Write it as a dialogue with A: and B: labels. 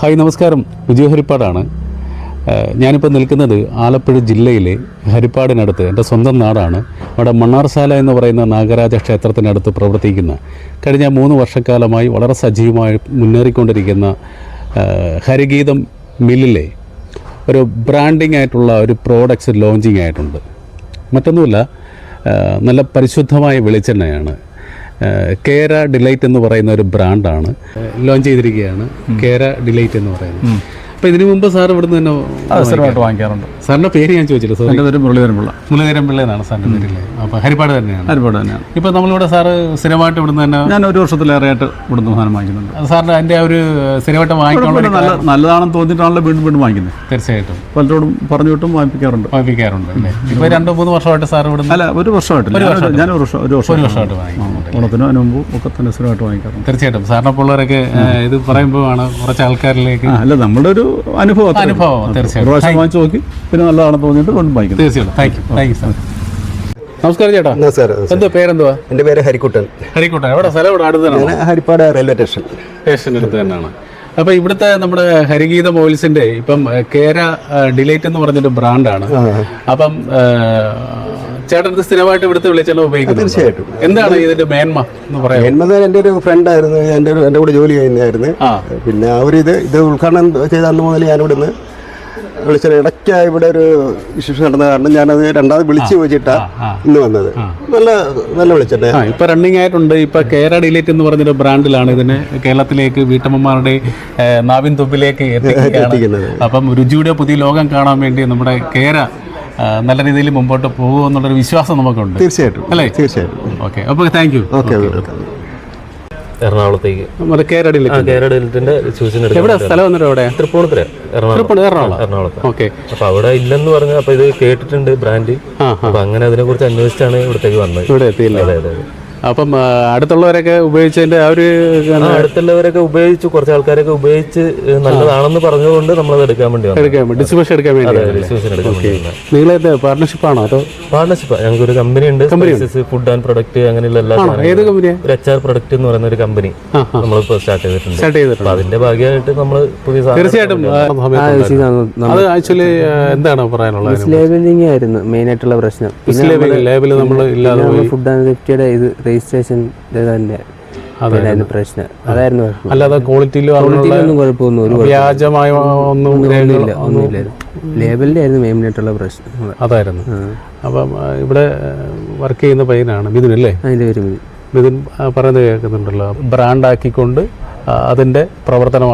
A: Hi നമസ്കാരം, വിജയ് ഹരിപ്പാടാണ്. ഞാനിപ്പോൾ നിൽക്കുന്നത് ആലപ്പുഴ ജില്ലയിലെ ഹരിപ്പാടിനടുത്ത്, എൻ്റെ സ്വന്തം നാടാണ്. അവിടെ മണ്ണാർശാല എന്ന് പറയുന്ന നാഗരാജ ക്ഷേത്രത്തിനടുത്ത് പ്രവർത്തിക്കുന്ന, കഴിഞ്ഞ 3 വർഷക്കാലമായി വളരെ സജീവമായി മുന്നേറിക്കൊണ്ടിരിക്കുന്ന ഹരിഗീതം മില്ലിലെ ഒരു ബ്രാൻഡിങ് ആയിട്ടുള്ള ഒരു പ്രോഡക്ട്സ് ലോഞ്ചിങ് ആയിട്ടുണ്ട്. മറ്റൊന്നുമില്ല, നല്ല പരിശുദ്ധമായ വെളിച്ചെണ്ണയാണ്. കേര ഡിലൈറ്റ് എന്ന് പറയുന്ന ഒരു ബ്രാൻഡാണ് ലോഞ്ച് ചെയ്തിരിക്കുകയാണ്. കേര ഡിലൈറ്റ് എന്ന് പറയുന്നത്. അപ്പോൾ ഇതിനു മുമ്പ് സാർ ഇവിടുന്ന് തന്നെ
B: സ്ഥിരമായിട്ട് വാങ്ങിക്കാറുണ്ട്.
A: സാറിൻ്റെ പേര് ഞാൻ ചോദിച്ചില്ല.
B: എൻ്റെ പേര് മുരളീധരൻപിള്ള.
A: മുരളീധരൻപിള്ള എന്നാണ് സാറിൻ്റെ പേരില്ലേ? അപ്പോൾ ഹരിപ്പാട് തന്നെയാണ്.
B: ഹരിപ്പാട് തന്നെയാണ്.
A: ഇപ്പോൾ നമ്മളിവിടെ സാറ് സ്ഥിരമായിട്ട് ഇവിടുന്ന് തന്നെ,
B: ഞാൻ 1 വർഷത്തിലേറെയായിട്ട് ഇവിടുന്ന് സാധനം വാങ്ങിക്കുന്നുണ്ട്.
A: സാറിൻ്റെ അതിൻ്റെ ഒരു സ്ഥിരമായിട്ട് വാങ്ങിക്കാനുള്ള
B: നല്ലതാണെന്ന് തോന്നിയിട്ടാണല്ലോ വീണ്ടും വാങ്ങിക്കുന്നത്.
A: തീർച്ചയായിട്ടും
B: പലരോടും പറഞ്ഞു വിട്ടും വാങ്ങിപ്പിക്കാറുണ്ട്
A: അല്ലേ? ഇപ്പോൾ 2-3 വർഷമായിട്ട് സാർ ഇവിടെ?
B: അല്ല, 1 വർഷമായിട്ടില്ല. ഞാൻ ഒരു വർഷമായിട്ട്
A: വാങ്ങിക്കുന്നുണ്ട്.
B: ഓണത്തിന് അതിന് മുമ്പ് ഒക്കെ തന്നെ സ്ഥിരമായിട്ട് വാങ്ങിക്കാറുണ്ട്.
A: തീർച്ചയായിട്ടും സാറിനെ പിള്ളേരൊക്കെ ഇത് പറയുമ്പോഴാണ് കുറച്ച് ആൾക്കാരിലേക്ക്
B: അല്ല, നമ്മുടെ ഒരു അനുഭവം
A: തീർച്ചയായിട്ടും
B: വാങ്ങിച്ചു നോക്കി പിന്നെ നല്ലതാണെന്ന് തോന്നിയിട്ട് വീണ്ടും വാങ്ങിക്കും.
A: തീർച്ചയായിട്ടും. Thank you sir. നമസ്കാരം ചേട്ടാ. എന്താ പേരെന്തുവാ?
C: എൻ്റെ പേര് ഹരിക്കുട്ടൻ.
A: എവിടെ സ്ഥലം? ഇവിടെ അടുത്ത് തന്നെ,
C: ഹരിപ്പാട് റെയിൽവേ സ്റ്റേഷൻ്റെ
A: അടുത്ത് തന്നെയാണ്. അപ്പോൾ ഇവിടുത്തെ നമ്മുടെ ഹരിഗീതം ഓയിൽസിന്റെ ഇപ്പം കേര ഡിലൈറ്റ് എന്ന് പറഞ്ഞൊരു ബ്രാൻഡാണ്. അപ്പം ചേട്ടൻ സ്ഥിരമായിട്ട് ഇവിടുത്തെ വെളിച്ചെണ്ണ ഉപയോഗിക്കുന്നത്?
C: തീർച്ചയായിട്ടും.
A: എന്താണ് ഇതിന്റെ മേന്മ എന്ന് പറയാം?
C: മേന്മ എൻ്റെ ഒരു ഫ്രണ്ടായിരുന്നു, എൻ്റെ കൂടെ ജോലി ചെയ്യുന്നതായിരുന്നു. പിന്നെ ഇത് ഉദ്ഘാടനം ചെയ്ത അന്ന് മുതൽ ഞാനിവിടുന്ന് വിളിച്ചത്. ഇടയ്ക്ക് ഇവിടെ ഒരു ഇഷ്യൂസ് നടന്ന കാരണം ഞാനത് രണ്ടാമത് വിളിച്ച് ചോദിച്ചിട്ടാണ് ഇന്ന് വന്നത്. നല്ല വിളിച്ചിട്ട്
A: ഇപ്പൊ റണ്ണിങ് ആയിട്ടുണ്ട്. ഇപ്പൊ കേര ഡിലൈറ്റ് എന്ന് പറഞ്ഞൊരു ബ്രാൻഡിലാണ് ഇതിനെ കേരളത്തിലേക്ക് വീട്ടമ്മമാരുടെ നാവിൻ തുമ്പിലേക്ക് എത്തിക്കുന്നത്. അപ്പം രുചിയുടെ പുതിയ ലോകം കാണാൻ വേണ്ടി നമ്മുടെ കേര നല്ല രീതിയിൽ മുമ്പോട്ട് പോകുമെന്നുള്ളൊരു വിശ്വാസം നമുക്കുണ്ട്.
C: തീർച്ചയായിട്ടും അല്ലേ? തീർച്ചയായിട്ടും.
A: ഓക്കെ, അപ്പോൾ താങ്ക് യു.
D: എറണാകുളത്തേക്ക്
A: കേര
D: ഡിലൈറ്റിന്റെ
A: എവിടെ സ്ഥലം വന്നിട്ട്? എവിടെ?
D: തൃപ്പൂണിത്തുറ, എറണാകുളം.
A: ഓക്കെ.
D: അപ്പൊ അവിടെ ഇല്ലെന്ന് പറഞ്ഞു. അപ്പൊ ഇത് കേട്ടിട്ടുണ്ട് ബ്രാൻഡ്. അപ്പൊ അങ്ങനെ അതിനെ കുറിച്ച് അന്വേഷിച്ചാണ് ഇവിടത്തേക്ക് വന്നത്.
A: ഇവിടെ എത്തിയില്ല.
D: അതെ.
A: അപ്പം അടുത്തുള്ളവരൊക്കെ ഉപയോഗിച്ചതിന്റെ ആ ഒരു
D: അടുത്തുള്ളവരൊക്കെ ഉപയോഗിച്ചു, കുറച്ച് ആൾക്കാരൊക്കെ ഉപയോഗിച്ച് നല്ലതാണെന്ന് പറഞ്ഞുകൊണ്ട് നമ്മളത് എടുക്കാൻ വേണ്ടി
A: ഡിസ്ട്രിബ്യൂഷൻ എടുക്കാൻ വേണ്ടി. നിങ്ങളെ പാർട്ണർഷിപ്പാണോ അതോ?
D: പാർട്ണർഷിപ്പ്. ഞങ്ങൾക്ക് ഒരു കമ്പനി ഉണ്ട്, ഫുഡ് ആൻഡ് പ്രൊഡക്റ്റ് അങ്ങനെയുള്ള എല്ലാ.
A: ഏത് കമ്പനിയാണ്?
D: HR പ്രൊഡക്റ്റ് എന്ന് പറയുന്ന ഒരു കമ്പനി നമ്മളിപ്പോ സ്റ്റാർട്ട് ചെയ്തിട്ടുണ്ട്. അതിന്റെ ഭാഗമായിട്ട് നമ്മൾ പുതിയ
A: തീർച്ചയായിട്ടും. അത് ആക്ച്വലി എന്താണ് പറയാനുള്ളത്?
E: ലേബലിംഗ് ആയിരുന്നു മെയിൻ ആയിട്ടുള്ള പ്രശ്നം.
A: ലേബിൾ നമ്മൾ ഇല്ലാതെ
E: ഫുഡ് ആൻഡ് സേഫ്റ്റിയുടെ ഇത് രജിസ്ട്രേഷൻ തന്നെ പ്രശ്നം അതായിരുന്നു.
A: അല്ലാതെ ക്വാളിറ്റിയിലൊന്നും
E: കുഴപ്പമൊന്നും
A: വ്യാജമായ
E: ഒന്നുമില്ലായിരുന്നു. ലേബലിന്റെ ആയിരുന്നു മെയിൻ ആയിട്ടുള്ള പ്രശ്നം.
A: അതായിരുന്നു. അപ്പം ഇവിടെ വർക്ക് ചെയ്യുന്ന പയ്യനാണ് മിഥുൻ അല്ലേ?
E: അതിന്റെ പേര്
A: മിഥുൻ പറയുന്നത് കേൾക്കുന്നുണ്ടല്ലോ. ബ്രാൻഡ് ആക്കിക്കൊണ്ട് അതിന്റെ പ്രവർത്തനം